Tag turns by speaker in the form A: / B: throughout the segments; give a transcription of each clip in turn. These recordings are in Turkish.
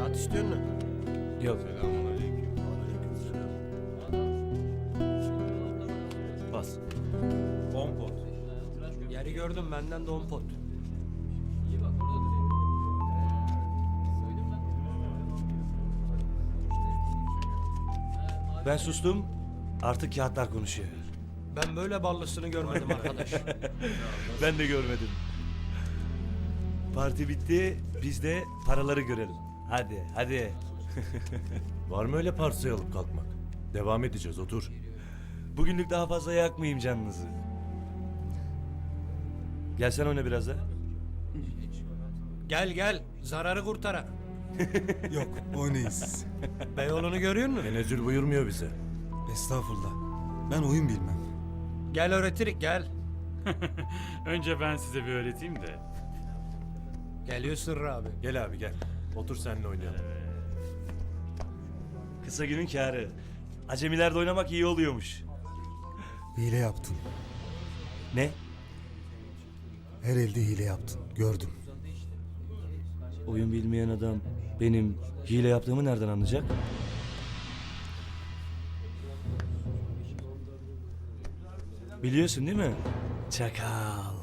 A: Kağıt istiyor musun?
B: Yok. Bas.
C: 10 pot.
A: Yeri gördüm, benden de 10 pot.
B: Ben sustum. Artık kağıtlar konuşuyor.
A: Ben böyle ballısını görmedim arkadaş.
B: Ben de görmedim. Parti bitti. Biz de paraları görelim. Hadi, hadi.
C: Var mı öyle parsayı alıp kalkmak? Devam edeceğiz, otur.
B: Bugünlük daha fazla yakmayayım canınızı. Gel sen oyna biraz da.
A: Gel gel, zararı kurtarak.
D: Yok, oynayız.
A: Beyoğlu'nu görüyor musun?
C: Tenezzül buyurmuyor bize.
D: Estağfurullah. Ben oyun bilmem.
A: Gel öğretirik, gel.
E: Önce ben size bir öğreteyim de.
A: Geliyor Sırrı abi.
C: Gel abi gel. Otur seninle oynayalım.
B: Kısa günün kârı. Acemilerde oynamak iyi oluyormuş.
D: Hile yaptın.
B: Ne?
D: Her elde hile yaptın. Gördüm.
B: Oyun bilmeyen adam benim hile yaptığımı nereden anlayacak? Biliyorsun değil mi? Çakal.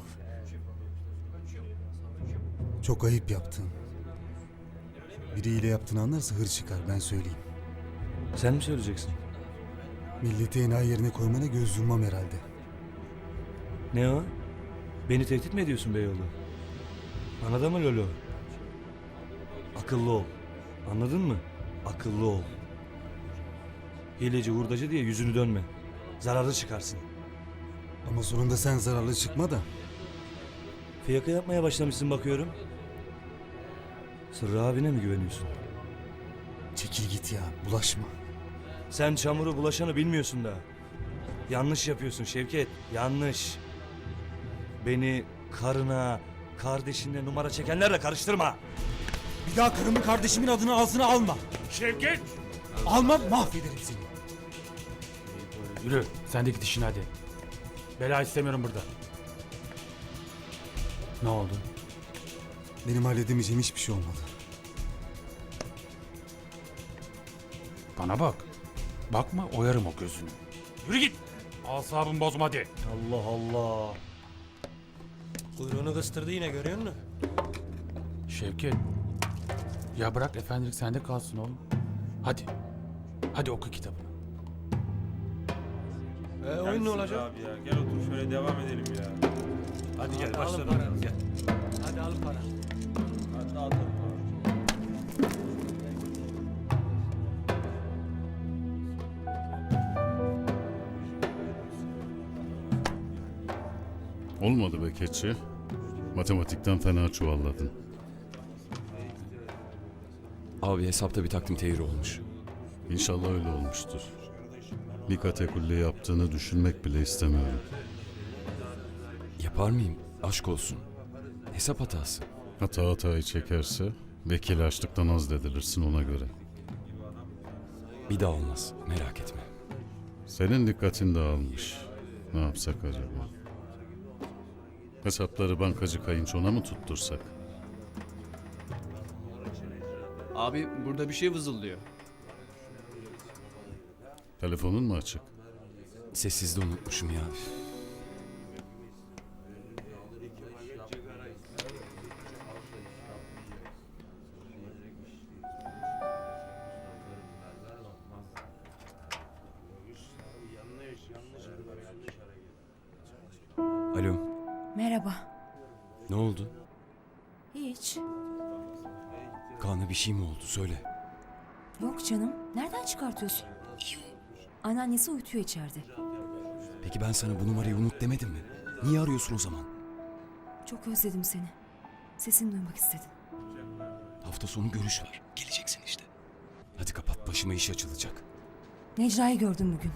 D: Çok ayıp yaptın. Biri hile yaptığını anlarsa hır çıkar, ben söyleyeyim.
B: Sen mi söyleyeceksin?
D: Milleti enayi yerine koymana göz yummam herhalde.
B: Ne o? Beni tehdit mi ediyorsun Beyoğlu? Bana da mı Lolo? Akıllı ol. Anladın mı? Akıllı ol. Hileci hurdacı diye yüzünü dönme. Zararlı çıkarsın.
D: Ama sonunda sen zararlı çıkma da.
B: Fiyaka yapmaya başlamışsın bakıyorum. Sırrı abine mi güveniyorsun?
D: Çekil git ya, bulaşma.
B: Sen çamuru bulaşanı bilmiyorsun da. Yanlış yapıyorsun Şevket. Yanlış. Beni karına, kardeşinle numara çekenlerle karıştırma.
D: Bir daha karımın kardeşimin adını ağzına alma.
E: Şevket!
D: Alma, mahvederim seni.
E: Yürü, sen de git işine hadi. Bela istemiyorum burada. Ne oldu?
D: Benim halledemeyeceğim hiçbir şey olmadı.
E: Bana bak. Bakma, oyarım o gözünü. Yürü git! Asabımı bozma hadi.
B: Allah Allah.
A: Kuyruğunu kıstırdı yine, görüyor musun?
E: Şevket. Ya bırak efendilik sende kalsın oğlum. Hadi. Hadi oku kitabını.
A: Oyun ne olacak?
C: Abi ya gel otur şöyle devam edelim ya. Hadi gel
A: Alın
C: başlayalım.
A: paranızı.
C: Gel.
A: Hadi al para.
C: Hadi dağıtalım abi.
F: Olmadı be keçi. Matematikten fena çuvalladın.
G: Abi hesapta bir takdim tehir olmuş.
F: İnşallah öyle olmuştur. Bir katakulli yaptığını düşünmek bile istemiyorum.
G: Yapar mıyım? Aşk olsun. Hesap hatası.
F: Hatayı çekerse vekil açlıktan azledilirsin ona göre.
G: Bir daha olmaz. Merak etme.
F: Senin dikkatin dağılmış. Ne yapsak acaba? Hesapları bankacı kayınçona mı tuttursak?
H: Abi burada bir şey vızıldıyor.
F: Telefonun mu açık?
G: Sessizde unutmuşum ya. Alo.
I: Merhaba.
G: Ne oldu?
I: Hiç.
G: Kaan'a bir şey mi oldu? Söyle.
I: Yok canım. Nereden çıkartıyorsun? Anneannesi uyutuyor içeride.
G: Peki ben sana bu numarayı unut demedim mi? Niye arıyorsun o zaman?
I: Çok özledim seni. Sesini duymak istedim.
G: Hafta sonu görüş var. Geleceksin işte. Hadi kapat. Başıma iş açılacak.
I: Necla'yı gördüm bugün.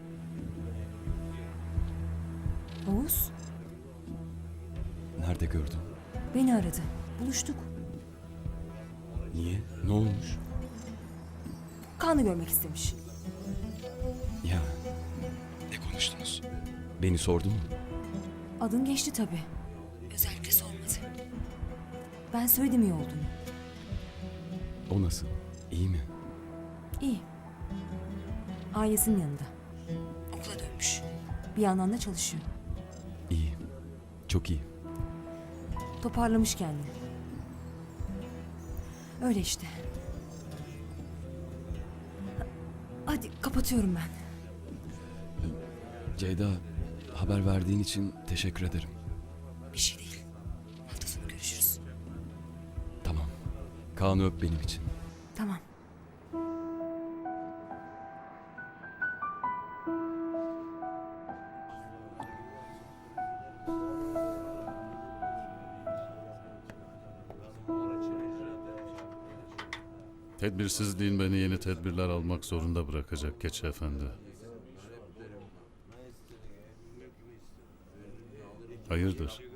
I: Oğuz
G: Nerede gördün?
I: beni aradı. Buluştuk.
G: Niye? Ne olmuş?
I: Kaan'ı görmek istemiş.
G: Ya. Ne konuştunuz? Beni sordu mu?
I: Adın geçti tabii. Özellikle sormadı. Ben söyledim iyi olduğunu.
G: O nasıl? İyi mi?
I: İyi. Ailesinin yanında. Okula dönmüş. Bir yandan da çalışıyor.
G: İyi. Çok iyi.
I: Toparlamış kendini. Öyle işte. Hadi kapatıyorum ben.
G: Ceyda, haber verdiğin için teşekkür ederim.
I: Bir şey değil. Hafta sonu görüşürüz.
G: Tamam. Kaan'ı öp benim için.
I: Tamam.
F: Tedbirsizliğin beni yeni tedbirler almak zorunda bırakacak Keçi Efendi. Hayırdır?